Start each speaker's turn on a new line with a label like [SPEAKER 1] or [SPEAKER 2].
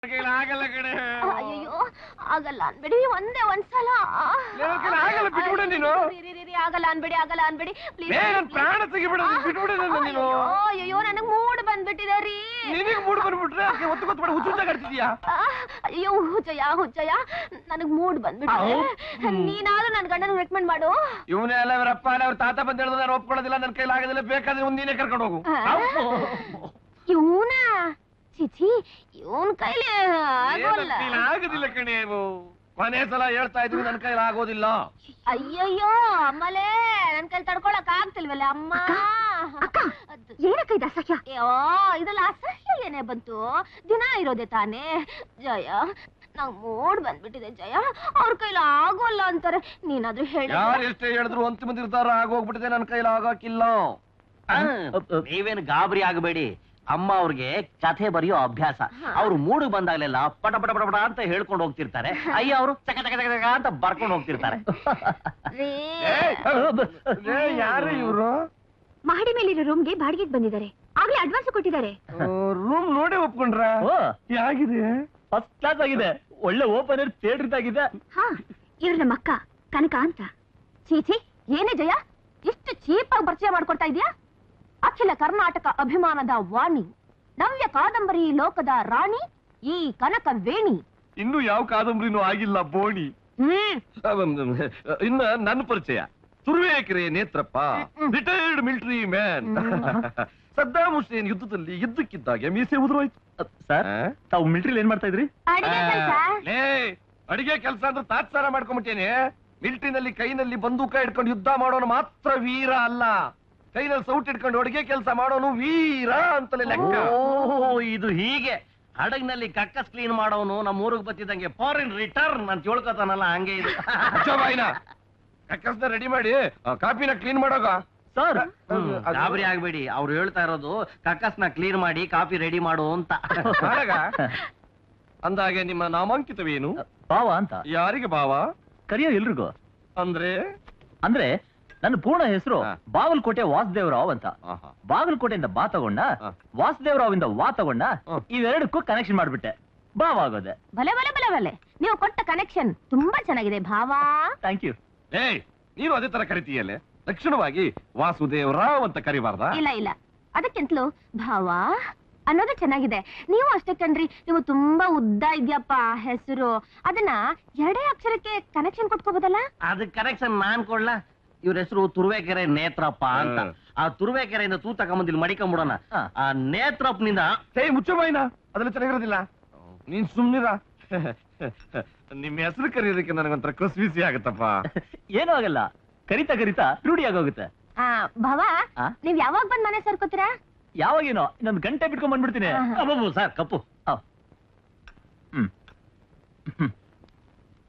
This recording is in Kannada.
[SPEAKER 1] ಆಗಲ್ಲ ಕಣೆ.
[SPEAKER 2] ಅಯ್ಯೋ ಆಗಲ್ಲ ಅನ್ಬೇಡಿ, ಒಂದೇ ಒಂದ್ಸಲ.
[SPEAKER 1] ಆಗಲ್ಲ, ಬಿಟ್ಬಿಡು ನೀನು.
[SPEAKER 2] ಆಗಲ್ಲ ಅನ್ಬೇಡಿ ಪ್ಲೀಸ್.
[SPEAKER 1] ಪ್ರಾಣ ತೆಗಿಬಿಡ, ಬಿಟ್ಬಿಡು ನೀನು.
[SPEAKER 2] ಅಯ್ಯೋ ನನಗ್ ಮೂಡ್ ಬಂದ್ಬಿಟ್ಟಿದೆ ರೀ.
[SPEAKER 1] ನಿನಗೆ ಮೂಡ್ ಬಂದ್ಬಿಟ್ರೆ ಒತ್ತು ಗೊತ್ತು ಹುಚ್ಚುಂತ ಕಟ್ತಿದ್ಯಾ?
[SPEAKER 2] ಅಯ್ಯೋ ಹುಚ್ಚಯ್ಯ ನನಗ್ ಮೂಡ್ ಬಂದ್ಬಿಟ್ಟಿದೆ. ನೀನಾದ್ರೂ ನನ್ ಗಂಡನ ರೆಕಮೆಂಡ್ ಮಾಡು.
[SPEAKER 1] ಇವನೇ ಅಲ್ಲ ಅವರಪ್ಪ ಅವ್ರ ತಾತ ಬಂದ ಹೇಳಿದ್ರೆ ನಾನು ಒಪ್ಕೊಳ್ಳೋದಿಲ್ಲ, ನನ್ನ ಕೈಲಿ ಆಗೋದಿಲ್ಲ, ಬೇಕಾದ್ರೆ ಮುಂದಿನೇ ಕರ್ಕೊಂಡು ಹೋಗು.
[SPEAKER 2] ಇವನ ಚಿಚಿ ಇವನ್ ಕೈಲಿ
[SPEAKER 1] ಆಗೋದಿಲ್ಲ ಕಣೆ. ಕೊನೆ ಸಲ ಹೇಳ್ತಾ ಇದ್ವಿ ನನ್ ಕೈಲಿ ಆಗೋದಿಲ್ಲ.
[SPEAKER 2] ಅಯ್ಯಯ್ಯೋ ಅಮ್ಮಲೇ, ನನ್ ಕೈಲಿ ತಡ್ಕೊಳಕ್ ಆಗ್ತಿಲ್ವಲ್ಲ ಅಮ್ಮ. ಏನಕ್ಕ ಇದು ಅಸಹ್ಯ? ಅಯ್ಯೋ ಇದೆಲ್ಲ ಅಸಹ್ಯ ಏನೇ ಬಂತು, ದಿನ ಇರೋದೆ ತಾನೇ. ಜಯ ನಂಗ್ ಮೂಡ್ ಬಂದ್ಬಿಟ್ಟಿದೆ ಜಯ, ಅವ್ರ ಕೈಲಿ ಆಗೋಲ್ಲ ಅಂತಾರೆ. ನೀನಾದ್ರೂ ಹೇಳಿ.
[SPEAKER 1] ಯಾರು ಎಷ್ಟೇ ಹೇಳಿದ್ರು ಅಂತಿಮ ನಿರ್ಧಾರ ಆಗೋಗ್ಬಿಟ್ಟಿದೆ, ನನ್ ಕೈಲಿ ಆಗಾಕಿಲ್ಲ.
[SPEAKER 3] ನೀವೇನು ಗಾಬರಿ ಆಗಬೇಡಿ. ಅಮ್ಮ ಅವ್ರಿಗೆ ಕಥೆ ಬರೆಯೋ ಅಭ್ಯಾಸ. ಅವ್ರು ಮೂಡು ಬಂದಾಗಲೆಲ್ಲ ಪಟ ಪಟ ಪಟ ಪಟ ಅಂತ ಹೇಳ್ಕೊಂಡು ಹೋಗ್ತಿರ್ತಾರೆ. ಅಯ್ಯ ಅವರು ಚಕ ಚಕ ಚಕ ಚಕ ಅಂತ ಬರ್ಕೊಂಡು ಹೋಗ್ತಿರ್ತಾರೆ.
[SPEAKER 1] ಯಾರು ಇವ್ರು?
[SPEAKER 2] ಮಹಡಿ ಮೇಲಿರೋ ರೂಮ್ಗೆ ಬಾಡಿಗೆಗೆ ಬಂದಿದ್ದಾರೆ. ಆಗ್ಲೇ ಅಡ್ವಾನ್ಸ್ ಕೊಟ್ಟಿದ್ದಾರೆ.
[SPEAKER 1] ರೂಮ್ ನೋಡಿ ಒಪ್ಕೊಂಡ್ರ? ಹೇಗಿದೆ?
[SPEAKER 3] ಫಸ್ಟ್ ಕ್ಲಾಸ್ ಆಗಿದೆ. ಒಳ್ಳೆ ಓಪನ್ ಏರ್ ಥಿಯೇಟರ್ ಇದಾಗಿದೆ.
[SPEAKER 2] ಹಾ, ಇವ್ರ ನಮ್ಮ ಅಕ್ಕ ಕನಕ ಅಂತ. ಚೀಚಿ ಏನೇ ಜಯ, ಇಷ್ಟು ಚೀಪ್ ಆಗಿ ಪರಿಚಯ ಮಾಡ್ಕೊಡ್ತಾ ಇದೀಯಾ? ಅಖಿಲ ಕರ್ನಾಟಕ ಅಭಿಮಾನದ ವಾಣಿ, ನವ್ಯ ಕಾದಂಬರಿ ಲೋಕದ ರಾಣಿ ಈ ಕನಕ ವೇಣಿ.
[SPEAKER 1] ಇನ್ನು ಯಾವ ಕಾದಂಬರಿನೂ ಆಗಿಲ್ಲ ಬೋಣಿ. ಇನ್ನ ನನ್ನ ಪರಿಚಯ Turuvekere Netrappa, retired military man. Saddam Hussein ಯುದ್ಧದಲ್ಲಿ ಯುದ್ಧಕ್ಕಿದ್ದಾಗ ಮೀಸೆ ಉದುರೋಯ್ತು.
[SPEAKER 3] ಸರ್, ತಾವು ಮಿಲಿಟರಿ ಏನ್ ಮಾಡ್ತಾ ಇದ್ರಿ?
[SPEAKER 1] ಅಡಿಗೆ ಕೆಲಸ ಅಂದ್ರೆ ತಾತ್ಸಾರ ಮಾಡ್ಕೊಂಡ್ಬಿಟ್ಟೇನೆ. ಮಿಲಿಟರಿನಲ್ಲಿ ಕೈನಲ್ಲಿ ಬಂದೂಕ ಇಟ್ಕೊಂಡು ಯುದ್ಧ ಮಾಡೋನು ಮಾತ್ರ ವೀರ ಅಲ್ಲ, ಕೈನಲ್ಲಿ ಸೌಟ್ ಇಟ್ಕೊಂಡು ಅಡಿಗೆ ಕೆಲಸ ಮಾಡೋನು ವೀರ ಅಂತಲೇ ಲೆಕ್ಕ.
[SPEAKER 3] ಇದು ಹೀಗೆ ಹಡಗ್ನಲ್ಲಿ ಕಕ್ಕಸ್ ಕ್ಲೀನ್ ಮಾಡೋನು ನಮ್ಮ ಊರಿಗೆ ಬತ್ತಿದಂಗೆ ಫಾರಿನ್ ರಿಟರ್ನ್ ಅಂತ ಹೇಳ್ಕೊತಾನಲ್ಲ, ಹಂಗೆ ಇದು.
[SPEAKER 1] ಕಕ್ಕಸ್ನ ರೆಡಿ ಮಾಡಿ ಕಾಪಿನ ಕ್ಲೀನ್ ಮಾಡೋಗ.
[SPEAKER 3] ಸರ್ ಗಾಬರಿ ಆಗ್ಬೇಡಿ, ಅವ್ರು ಹೇಳ್ತಾ ಇರೋದು ಕಕ್ಕಸ್ನ ಕ್ಲೀನ್ ಮಾಡಿ ಕಾಪಿ ರೆಡಿ ಮಾಡು ಅಂತ.
[SPEAKER 1] ಅಂದಾಗೆ ನಿಮ್ಮ ನಾಮಾಂಕಿತವೇನು?
[SPEAKER 3] ಭಾವ ಅಂತ.
[SPEAKER 1] ಯಾರಿಗೆ ಭಾವ?
[SPEAKER 3] ಕರಿಯೋ ಎಲ್ರಿಗೂ.
[SPEAKER 1] ಅಂದ್ರೆ
[SPEAKER 3] ಅಂದ್ರೆ ನನ್ನ ಪೂರ್ಣ ಹೆಸರು ಬಾಗಲಕೋಟೆ ವಾಸುದೇವರಾವ್ ಅಂತ. ಬಾಗಲಕೋಟೆಯಿಂದ ಬಾ ತಗೊಂಡ, ವಾಸುದೇವರಾವ್ ಇಂದ ವಾ ತಗೊಂಡ, ಇವೆರಡಕ್ಕೂ ಕನೆಕ್ಷನ್ ಮಾಡ್ಬಿಟ್ಟೆ, ಭಾವ ಆಗೋದೆ.
[SPEAKER 2] ಭಲೆ ಭಲೆ ಭಲೆ ಭಲೆ, ನೀವು ಕೊಟ್ಟ ಕನೆಕ್ಷನ್ ತುಂಬಾ ಚೆನ್ನಾಗಿದೆ ಭಾವ.
[SPEAKER 3] Thank you.
[SPEAKER 1] ನೀನು ಅದೇ ತರ ಕರಿತೀಯಲ್ಲೇ, ತಕ್ಷಣವಾಗಿ ವಾಸುದೇವರಾವ್ ಅಂತ ಕರಿಬಾರ್ದ?
[SPEAKER 2] ಇಲ್ಲ, ಅದಕ್ಕಿಂತಲೂ ಭಾವ ಅನ್ನೋದು ಚೆನ್ನಾಗಿದೆ. ನೀವು ಅಷ್ಟೇ ಕಣ್ರಿ, ನೀವು ತುಂಬಾ ಉದ್ದ ಇದ್ಯಪ್ಪ ಹೆಸರು, ಅದನ್ನ ಎರಡೇ ಅಕ್ಷರಕ್ಕೆ ಕನೆಕ್ಷನ್ ಕೊಟ್ಕೋಬೋದಲ್ಲ?
[SPEAKER 3] ಅದಕ್ಕೆ ಕನೆಕ್ಷನ್ ನಾನ್ ಕೊಡ್ಲಾ? ಇವ್ರ ಹೆಸರು ತುರುವೇಕೆರೆ ನೇತ್ರಪ್ಪ ಅಂತ. ಆ ತುರುವೇಕೆರೆಯಿಂದ ತೂ ತಗೊಂಬಂದಿಲ್ ಮಡಿಕೊಂಬಿಡೋಣ. ಆ ನೇತ್ರಪ್ಪನಿಂದ
[SPEAKER 1] ಮುಚ್ಚಬಾಯಿನ, ಅದೆಲ್ಲ ಚೆನ್ನಾಗಿರೋದಿಲ್ಲ. ನೀನ್ ಸುಮ್ನಿರ. ನಿಮ್ ಹೆಸರು ಕರೆಯೋದಕ್ಕೆ ನನಗೊಂಥರ ಕಸ್ಬಿಸಿ ಆಗತ್ತಪ್ಪ.
[SPEAKER 3] ಏನೂ ಆಗಲ್ಲ, ಕರಿತಾ ಕರಿತಾ ರೂಢಿ ಆಗೋಗುತ್ತೆ.
[SPEAKER 2] ಭಾವ ನೀವ್ ಯಾವಾಗ ಬಂದ್ ಮನೆ ಸೇರ್ಕೋತೀರಾ?
[SPEAKER 3] ಯಾವಾಗೇನೋ ಇನ್ನೊಂದು ಗಂಟೆ ಬಿಟ್ಕೊಂಡ್ ಬಂದ್ಬಿಡ್ತೀನಿ. ಸರ್ ಕಪ್ಪು.